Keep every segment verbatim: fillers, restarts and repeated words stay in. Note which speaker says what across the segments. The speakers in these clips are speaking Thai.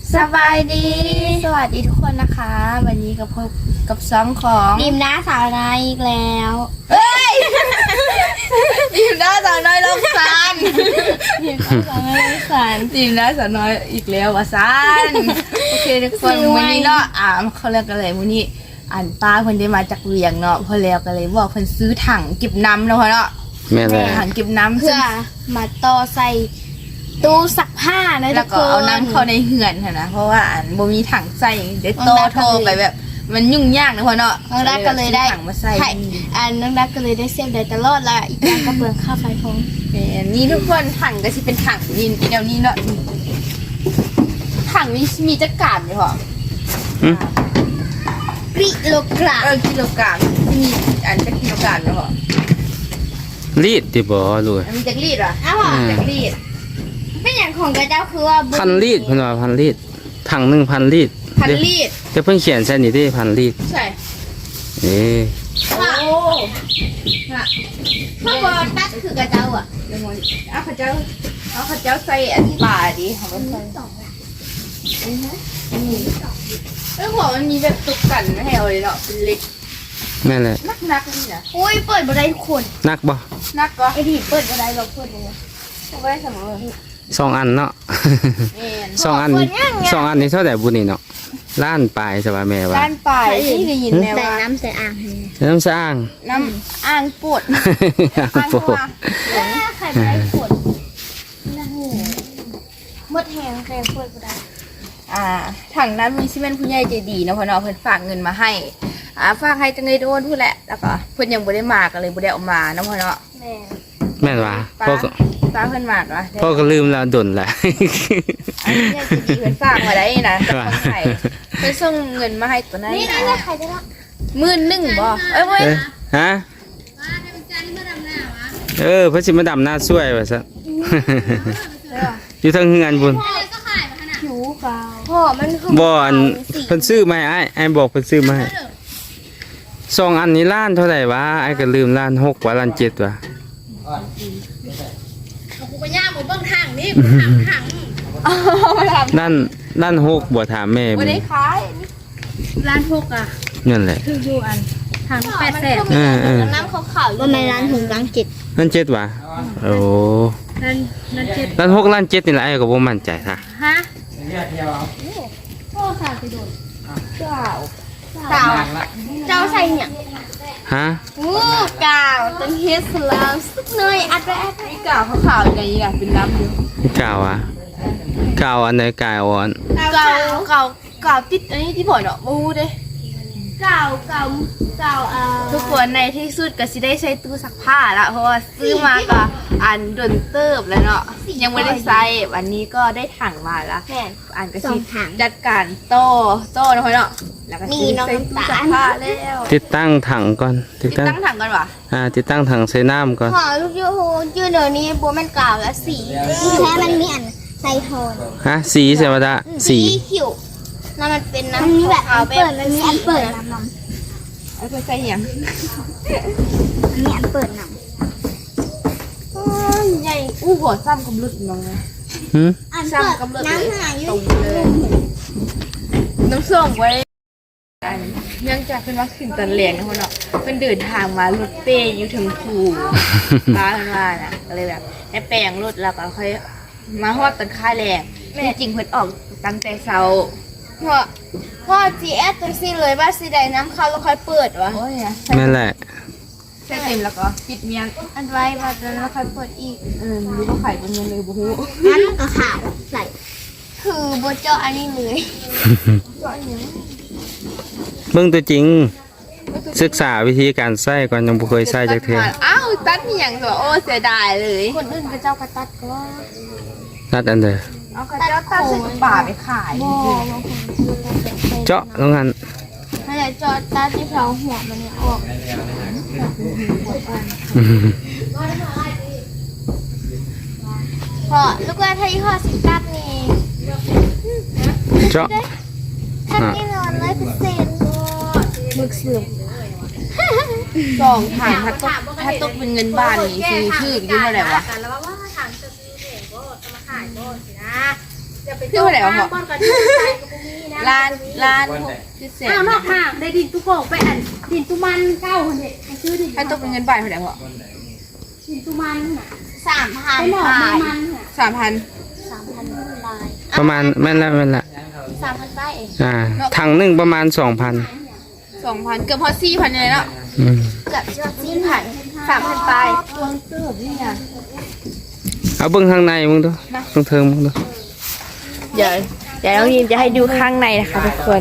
Speaker 1: สบายดีสวัสดีทุกคนนะคะวันนี้กับพบกับซ้อมของ
Speaker 2: ดิมน้าสาวนายอีกแล้ว
Speaker 1: เฮ้ยดิมน้าสาวน้อยลงซาน
Speaker 2: ดิมน้าสาวนายลงซาน
Speaker 1: ดิมน้าสาวน้อยอีกแล้ววะซานโอเคทุกคนวันนี้เนาะอ่าเขาเรียกกันเลยวันนี้อ่านป้าเพิ่นได้มาจากเวียงเนาะพอแล้วกันเลยบอกเพิ่นซื้อถังเก็บน้ำเนาะเนาะ
Speaker 3: แม่เลย
Speaker 1: ถังเก็บน้ำ
Speaker 2: เพื่อมาต่อใส่ตู้ซักผ้านะทุ
Speaker 1: แล้ว
Speaker 2: ก
Speaker 1: ก็
Speaker 2: คน
Speaker 1: เอาน้ำเข้าในเหือนนะเพราะว่าอ่านบ่มีถังใส่เดี๋ยวโตโทรไปแบบมันยุ่งยากนะพ่อเนาะ
Speaker 2: น้องดักก็เลยได้
Speaker 1: ถังมาใส่
Speaker 2: อันน้องดักก็เลยได้เซฟได้ตลอดละอีกอย่างก็เปลืองค่าไฟพง
Speaker 1: นี่ทุกคนถังก็สิเป็นถังนี่เดี๋ยวนี้เนาะถังมีมีจักรานอยู่เหรอ
Speaker 2: กิโลกรัม
Speaker 1: เออกิโลกรัมมีอันจักกิโลกรัมอยู่เหรอ
Speaker 3: รีดติบ่รู้
Speaker 1: มีจักรีดเหรอ
Speaker 2: อ้าว
Speaker 1: จักรีด
Speaker 2: เป็นอย่างของกระเจ้าคือว่า
Speaker 3: พันรีดเพิ่นว่าพันรีดถังหนึ่งพันรีด
Speaker 1: พันรีด
Speaker 3: จะเพิ่งเขียนใช่นี่ดิพันรีด
Speaker 1: ใช่
Speaker 3: เอ๊ะ
Speaker 1: โอ้ฮะ
Speaker 2: เพราะว่าตัดคือกระเจ้าอ่ะ
Speaker 1: เดี๋ยวมองเอาข้าเจ้าเอาข้าเจ้าใส่อันป่าดิเขาไม่ใส่เออหัวมันมีแบบตุกกันไม่ให้เอาเลยเนาะเป็นเล็ก
Speaker 3: แม่นแหละ
Speaker 1: นักนักนี่นะ
Speaker 2: อุ้ยเปิดบันไดทุกคน
Speaker 3: นักบ่
Speaker 1: นักก็
Speaker 2: ไอ้ที่เปิดบันไดเราเปิดเลย
Speaker 1: เอาไว้เสมอ
Speaker 3: สองอันเนาะ
Speaker 1: เอ็น
Speaker 3: สองอันสองอันนี้เท่าไหร่บุญนี่เนาะล้านปลายสบายแม่ว่า
Speaker 1: ด้านปลายที่ได้ยินแม่
Speaker 2: ใส่
Speaker 1: ว่า
Speaker 2: น้ำใส่อ่าง
Speaker 3: น้ำสร้าง
Speaker 1: น้ำอ่างปวดอ่าง
Speaker 3: โอ้
Speaker 1: หัว
Speaker 2: ใครไม่ได้ขวดมดแหงใครขวดก็ได้
Speaker 1: อ่าถังนั้นมีซิเมนต์ผู้ใหญ่ใจดีเนาะพ่อเนาะเพิ่นฝากเงินมาให้อ่าฝากให้จังเลยโดนพูดแหละแล้วก็เพิ่นยังบ่ได้มาก็เลยบ่ได้เออกมาเนาะพ่อเนาะ
Speaker 2: แม่
Speaker 3: แม่นว่า
Speaker 1: ป้า
Speaker 3: พ่อก็
Speaker 1: ป้าเพิ่นมากวะ
Speaker 3: พ่อก็ลืมแล้วดนแหละ
Speaker 1: อันนี้ใจดีเพิ่นฝากมาได้นะจากคนไทยเพิ่นส่งเงินมาให้ตัวนั้น
Speaker 2: นี่นี่ใครจะรับ
Speaker 1: หมื่นหนึ่งบ่เอ้ยเว้ย
Speaker 3: เอ้ยฮะเออพระสิมาดำหน้าช่วยว่าซะ อยู่ทางเฮือนบุญ
Speaker 2: ผิวขาวพ่อมันคือ
Speaker 3: บ่อันเพิ่นซื้อมาให้อ้ายอ้ายบอกเพิ่นซื้อมาให้สองอันนี้ล้านเท่าไหร่วะอ้ายก็ลืมล้านหกว่าล้านเจ็ดว่ะ
Speaker 2: กูก็ย่าหมูเบิ้งทางนี่ทาง
Speaker 1: มาทำ
Speaker 3: ล้านล้านหกบ่ถามแม่
Speaker 1: บ่
Speaker 3: บุญ
Speaker 1: ได้ขาย
Speaker 2: ร้านพกอ่ะ
Speaker 3: นั่นแหละ
Speaker 2: คืออยู่อันทางแปดแสน
Speaker 3: เออเออ
Speaker 2: น้ำขาวๆว่าไม่ร้านถึงร้านเจ็ด
Speaker 3: ล้านเจ็ดว่ะโอ้
Speaker 2: ร้านร้านเจ็ด
Speaker 3: ล้านหกล้านเจ็ดนี่แหละอ้ายก็บ่มั่นใจค่ะ
Speaker 2: ฮะพ่อสาวไปโดน
Speaker 1: เจ้า
Speaker 2: สาวเจ้าใส่เนี่ย
Speaker 3: ฮะ
Speaker 2: งูกาวต้นเฮสลามสักหน่อยอัดไปอัดไป
Speaker 1: นี่กาวขาวๆอย่างนี้อ่ะเป็นน้ำอยู่
Speaker 3: กาวอ่ะกาวอันไหนกาวอ่อน
Speaker 1: กาวกาวกาวติดอันนี้ที่บ่เนาะบ่ฮู้เด้
Speaker 2: กาวกาวกาวอ่า
Speaker 1: ทุกคนในที่สุดก็สิได้ใช้ตู้ซักผ้าละเพราะว่าซื้อมาก็อันดนเติบแล้วเนาะยังไม่ได้ใช้วันนี้ก็ได้ถังมาละ
Speaker 2: แม่น
Speaker 1: อันก็
Speaker 2: สอ
Speaker 1: สิ
Speaker 2: งถัง
Speaker 1: จัดการโต้โต้นะพ่อเนาะแล้วก็
Speaker 2: มี
Speaker 1: สิ
Speaker 2: น้อง
Speaker 1: ใส่ตู้
Speaker 2: น้ำตาล
Speaker 1: ซักผ้าแล้ว
Speaker 3: ติดตั้งถังก่อนติ
Speaker 1: ติ
Speaker 3: ด
Speaker 1: ด
Speaker 3: ตั้ง
Speaker 1: ตั้งถังก่อนวะ
Speaker 3: อ่าติดตั้งถังใส่น้ำก่อน
Speaker 2: ขอลูกยูฮูยืนเดี๋ยวนี้บัวมันกาวและสีแค่มันมีอันใส่โทน
Speaker 3: ฮะสีใส่ว่าดะสี
Speaker 2: ขิวน้ำมันเป็นน้ำมันมีแบบอันเปิดมันมีอันเปิดน้ำน้
Speaker 1: เอาไปใส่หยัง
Speaker 2: ำมีอันเปิดน้
Speaker 1: อ้าวใหญ่อู้หัวซ้ำกับลึกน้องเลย
Speaker 3: หืม
Speaker 2: ำอันเปิดน้ำหาย
Speaker 1: ตรงเลยน้ำส้มไว้อันเนื่องจากเป็นวัคซีนตันแรงนะพ่อเนาะเป็นเดินทางมารถเป้อยู่ถึงภูป้าเพิ่นว่าน่ะก็เลยแบบได้แปลงรถแล้วก็ค่อยมาฮอดตอนค่าแรงที่จริงเพิ่นออกตั้งแต่เช้า
Speaker 2: พ่อพ่อจีแอดจังซี่เลยว่าสีใดน้ำเข้าแล้วค่อยเปิดวะ
Speaker 1: โอ้ยอะ
Speaker 3: นั่นแหละ
Speaker 1: ใส่เต็มแล้วก็ปิดเมียง
Speaker 2: อันไว้มาแล้วค่อยเปิดอีก
Speaker 1: เออรู้ว่าไข่เป็นเงินเลยบ่ฮู้
Speaker 2: อันก็ขาวใส่คือโบเจาะอันนี้เลย
Speaker 3: เบิ่งตัวจริง ศึกษาวิธีการใส่ก่อนยังบ่เคยใส่จักเทื่อ
Speaker 1: อ้าวตัดมีหยังตัวโอ้เสียดายเลย
Speaker 2: คนอื่นก็เจ้ากระตัดก็
Speaker 3: นัดอันเด้อ
Speaker 1: เอากระเจ้าตัดใส่ป่าไปขาย
Speaker 2: บอบางคนคือตัดแบบเป็น
Speaker 3: เจาะลงหัน
Speaker 2: ถ้าจะเจาะตัดที่เพลาหัวมันเนี่ยออก พอลูกว่าถ้ายี่ห้อสิตัดนี่
Speaker 3: เจาะ
Speaker 2: ตัดแน่นอนร้อยเปอร์เซ็นต์มึกเสื่อม
Speaker 1: สองถังถ้าตกถ้าตกเป็นเงินบ้านนี่ซื้อชื่ออยู่เท่าไหร่วะ
Speaker 2: แล้วว่าถ้าถามจะซื้อเองก็จะมาขายก็สินะจะไป
Speaker 1: คือว่าไหนวะพ่อร้านร้านหกพิเศษ
Speaker 4: อ้าวนอกมากได้ดินตุกโกกไปอันดินตุมันเก้าคนเด็กชื่อดิน
Speaker 1: ให้ตกเป็นเงินบาทเท่าไหร่พ่อ
Speaker 4: ดินตุมันน่ะ
Speaker 2: สามพัน
Speaker 4: ไปหนอก
Speaker 2: บา
Speaker 4: ไม่
Speaker 2: ท
Speaker 4: มันน่ะ
Speaker 1: สามพัน
Speaker 2: สามพันบาท
Speaker 3: ประมาณแม่นละแม่นละ
Speaker 2: สามพันบาทเอง
Speaker 3: อ่าถังหนึ่งประมาณสองพัน
Speaker 1: สองพันเกือบพอสี่พันเลยเนาะ
Speaker 3: อืม
Speaker 2: เกือบจะสี่พันสามพันบาท
Speaker 1: วงเกือบนี่ไง
Speaker 3: เอาเบิ่งข้างในมึงดูตรงเทิงมึงดู
Speaker 1: เดี๋ยวเดี๋ยวน้องยินจะให้ดูข้างในนะคะทุกคน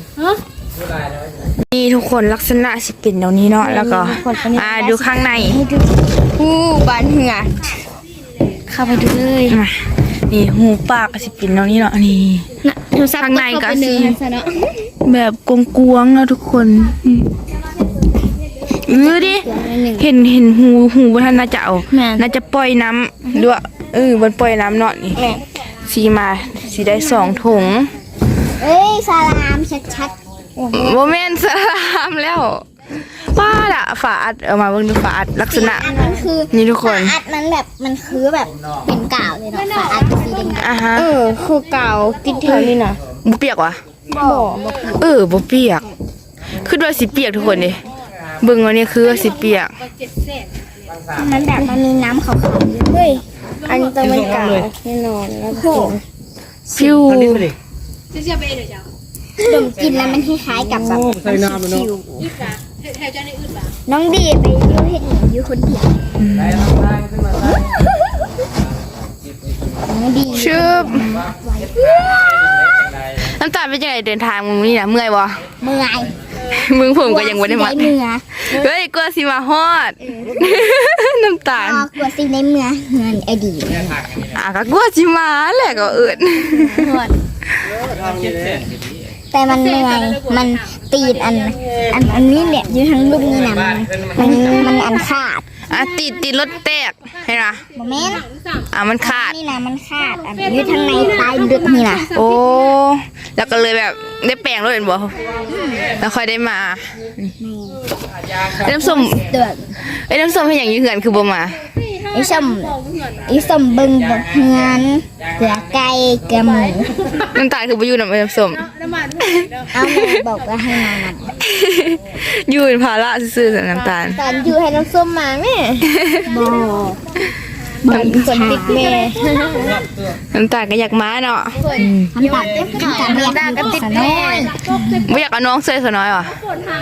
Speaker 1: นี่ทุกคนลักษณะสิเป็นตรงนี้เนาะแล้วก็อ่าดูข้างในหูบานเหงือกเข้าไปดูเลยมานี่หูปากก็สิเป็นตรงนี้เนาะนี่ข้างในก็สิแบบกวงๆแล้วทุกคนเออดิเห็นเห็นหูหูว่าท่านน่าจะเอาน่าจะปล่อยน้ำด้วยเออบนปล่อยน้ำเนาะนี่สีมาสีได้สองถุง
Speaker 2: เอ้ยสลามชัด
Speaker 1: โมเมนต์สลามแล้วป้าละฝาอัดเอามาเบิ่งดูฝาอัดลักษณะ
Speaker 2: ๆอันนั้นคือ
Speaker 1: นี่ทุกคน
Speaker 2: ฝาอัดมันแบบมันคือแบบเป็นกาวเลยเนาะฝาอัดสีแดง
Speaker 1: อ่ะฮะ
Speaker 2: เออคือกาวติดแถวนี้นะ
Speaker 1: บ่เปียกวะ
Speaker 2: บ่
Speaker 1: เออบ่เปียกคือด้วยสีเปียกทุกคนดิเบิ่งว่านี่คือสีเปียก
Speaker 2: มันแบบมันมีน้ำขาวๆอยู่เฮ้ยอันนี้ต้องเป็นกาวแน่นอนแล้วก็
Speaker 1: ซิว
Speaker 2: ดมกินแล้วมันคล้ายๆกับแบบคิวน้องดีไปยูเห็นอยู่คนเดียวน้องดี
Speaker 1: ชึบน้ำตาลเป็นยังไงเดินทางมึงนี่นะเมื่อยบ่
Speaker 2: เมื่อย
Speaker 1: มึงผมก็ยังบ่ได้มา
Speaker 2: เมื่อย
Speaker 1: เฮ้ยกลัวสิมาฮอดน้ำตาล
Speaker 2: อ๋อกลัวสิในเมื่อเงินอดีต
Speaker 1: อ่ะก็กลัวสิมาแหละก็เอิ้น
Speaker 2: แต่มันเมื่อยมันตีดอันอันอันนี้เนี่ยอยู่ทั้งลูกนี่นะมันมันมันอันขาด
Speaker 1: อ่ะติดติดรถแตกเห็นปะ
Speaker 2: โมเมนต์
Speaker 1: อ่ะมันขาด
Speaker 2: นี่นะมันขาดอันอยู่ทั้งในใต้ลึกนี่นะ
Speaker 1: โอ้แล้วก็เลยแบบได้แปลงรถเห็นบ่แล้วค่อยได้มาไอ้น้ำส้ม
Speaker 2: เดือด
Speaker 1: ไอ้น้ำส้มให้อย่างยืเหือนคือบ่มา
Speaker 2: ไอ้ส้มไอ้ส้มเบิ่งบ่เฮือนเกลือไก่เกลือหมู
Speaker 1: น้ำตาลคือบ่อยู่นำไอ้น้ำส้ม
Speaker 2: เอาแม่บอกว่าให้มานัด
Speaker 1: อยู่เป็นภาระซื่อๆสน้ำตาล
Speaker 2: ตอนอยู่ให้น้ำส้มมาแม่บ่บ่คนติดแม่
Speaker 1: น้ำตาลก็อยากมาเนาะ
Speaker 2: น้ำตาลน้ำตาลเรียกกันติดแม่
Speaker 1: บ่อยากเอาน้องเซยซะน้อยว่ะ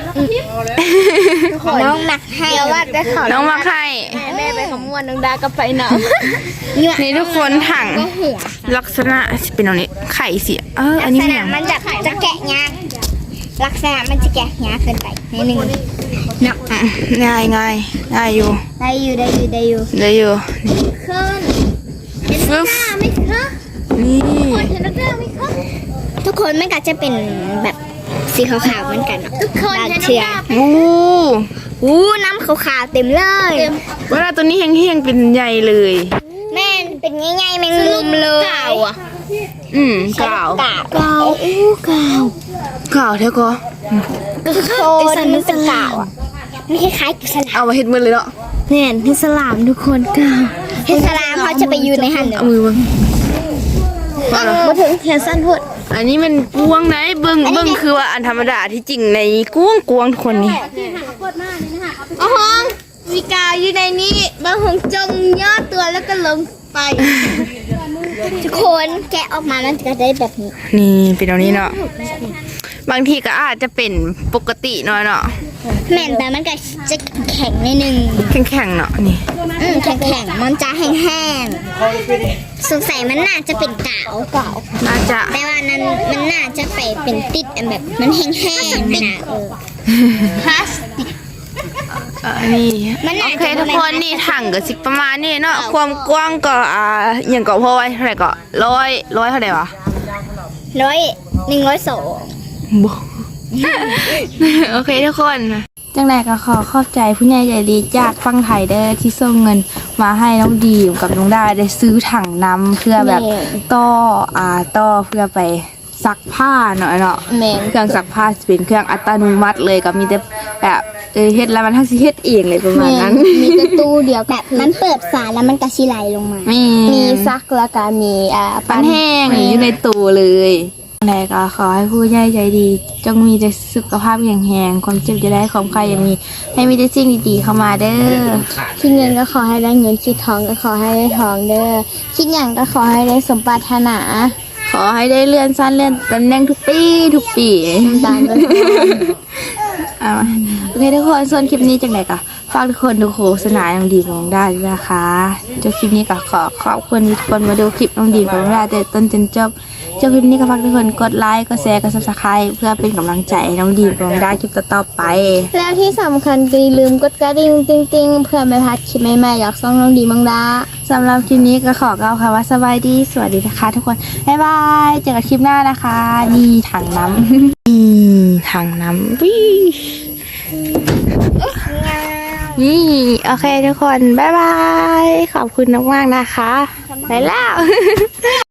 Speaker 2: น้องหนักให้เดี๋ยวว่าได้ข่าว
Speaker 1: น้องมาใคร
Speaker 2: แม่ไปขมวนน้องดาก็ไปน้
Speaker 1: นี่ทุกคนถัง
Speaker 2: ำหัว
Speaker 1: ลักษณะสิเป็นแบบนี้ไข่สิเอออันนี้
Speaker 2: ลักษ
Speaker 1: แห
Speaker 2: ณะ
Speaker 1: ง
Speaker 2: มันจะจะแกะยากลักษณะมันจะแกะยากเกินไปนิดนึงเนาะ
Speaker 1: อืมง่ายง่ายง่ายอยู่
Speaker 2: ได้อยู่ได้อยู่ได้อยู่
Speaker 1: ได้อยู่
Speaker 2: ขึ้น
Speaker 1: ฟึบ
Speaker 2: ไม่ขึ้น
Speaker 1: นี่
Speaker 2: เห็นแล้วก็ไม่ขึ้นทุกคนมันก็จะเป็นแบบสีขาวๆเหมือนกันเนาะทุกคนเชื่อ
Speaker 1: อู้
Speaker 2: อู้น้ำขาวๆเต็มเลย
Speaker 1: เวลาตัวนี้แห้งๆเป็นใหญ่เลย
Speaker 2: แม่นเป็นง่ายๆแมงมุมเลย
Speaker 1: อืมกล่าว
Speaker 2: กาวกาวอู้กาว
Speaker 1: กล่าวเท่าก็
Speaker 2: โคนมันเป็นกาวอ่ะมันคล้ายๆกับสลาม
Speaker 1: เอามาเฮ็ดมือเลยเนาะ
Speaker 2: แน่นที่สลามทุกคนกาวเห็นสลามเขาจะไปอยู่ในหันเดี๋ยว
Speaker 1: เอามือมาเอาเหรอ
Speaker 2: มาถึงเห็นสั้นพูด
Speaker 1: อันนี้มันกวงไหนเบิ่งเบิ่งคือว่าอันธรรมดาที่จริงในกวงกวงทุกคนนี่
Speaker 2: อ๋อฮองมีกาวอยู่ในนี้บางหงจงย่อตัวแล้วก็ลงไป ทุกคนแกะออกมามันจะได้แบบนี้
Speaker 1: นี่เป็นตรงนี้เนาะบางทีก็อาจจะเป็นปกติหน่อยเนาะ
Speaker 2: แม่นแต่มันก็จะแข็งนิดนึง
Speaker 1: แข็งๆเนาะนี่
Speaker 2: อืมแข็งๆมันจะแห้งๆสงสัยมันน่าจะเป็นกาวกาว
Speaker 1: น่าจะ
Speaker 2: แต่ว่านั้นมันน่าจะไปเป็นติดอันแบบมันแห้งๆนะเออพลาสติก
Speaker 1: เออนี่
Speaker 2: มัน
Speaker 1: โอ
Speaker 2: น่า
Speaker 1: เค
Speaker 2: จะ
Speaker 1: ทุกคนนี่ถังก็สิประมาณนี้เนาะความกว้างก็อ่าอย่างก็พอไว้เท่าไหร่ก็ร้อยร้อยเท่าไหร่วะ
Speaker 2: ร้อยหนึ่งร้อยสอง
Speaker 1: บ่โอเคทุกคนจังไรก็ขอขอบใจผู้ใหญ่ใจดีจากฟังไทยเด้อที่ส่งเงินมาให้น้องดีมกับน้องได้ได้ซื้อถังน้ำเพื่อแบบต่ออ่าต่อเพื่อไปซักผ้าเนาะเนาะ
Speaker 2: แมง
Speaker 1: เครื่องซักผ้าจะเป็นเครื่องอัตโนมัติเลยก็มีแต่แบบเออเฮ็ดแล้วมันทั้งสิเฮ็ดเองเลยประมาณนั้น
Speaker 2: มีแต่ตู้เดียวแบบมันเปิดฝาแล้วมันกระชิไหลลงมา
Speaker 1: มี
Speaker 2: มีซักแล้วก็มีอ่า
Speaker 1: ปันแห้งอยู่ในตู้เลยแรกก็ขอให้ผู้ใหญ่ใจดีจงมีแต่สุขภาพแข็งแรงความเจ็บจะได้ความใครยังมีให้มีแต่สิ่งดีๆเข้ามาเด้อ
Speaker 2: คิดเงินก็ขอให้ได้เงินคิดทองก็ขอให้ได้ทองเด้อคิดอย่างก็ขอให้ได้สมปรารถนา
Speaker 1: ขอให้ได้เลื่อนสั้นเลื่อนตำแหน่งทุกปีทุกปี
Speaker 2: ตามด้วย
Speaker 1: เอามาโอเคทุกคนส่วนคลิปนี้จังไหนก็ฝากทุกคนดูโฆษณาน้องดีของน้องได้ด้วยนะคะจบคลิปนี้ก็ขอขอบคุณทุกคนมาดูคลิปน้องดีของน้องได้แต่ต้นจนจบจบคลิปนี้ก็ฝากทุกคนกดไลค์กดแชร์กดซับสไครต์เพื่อเป็นกำลังใจให้น้องดีของน้องได้คลิปต่อๆไป
Speaker 2: แล้วที่สำคัญก็อย่าลืมกดกระดิ่งติ๊งๆเพื่อไม่พลาดคลิปใหม่ๆอยากซ่องน้องดีมังดา
Speaker 1: สำหรับคลิปนี้ก็ขอกล่าวคำว่าสบายดีสวัสดีนะคะทุกคนบ๊ายบายเจอกันคลิปหน้านะคะนี่ถังน้ำ นี่ถังน้ำวิ่งนี่โอเคทุกคน บ๊ายบาย ขอบคุณมากๆนะคะ ไปแล้ว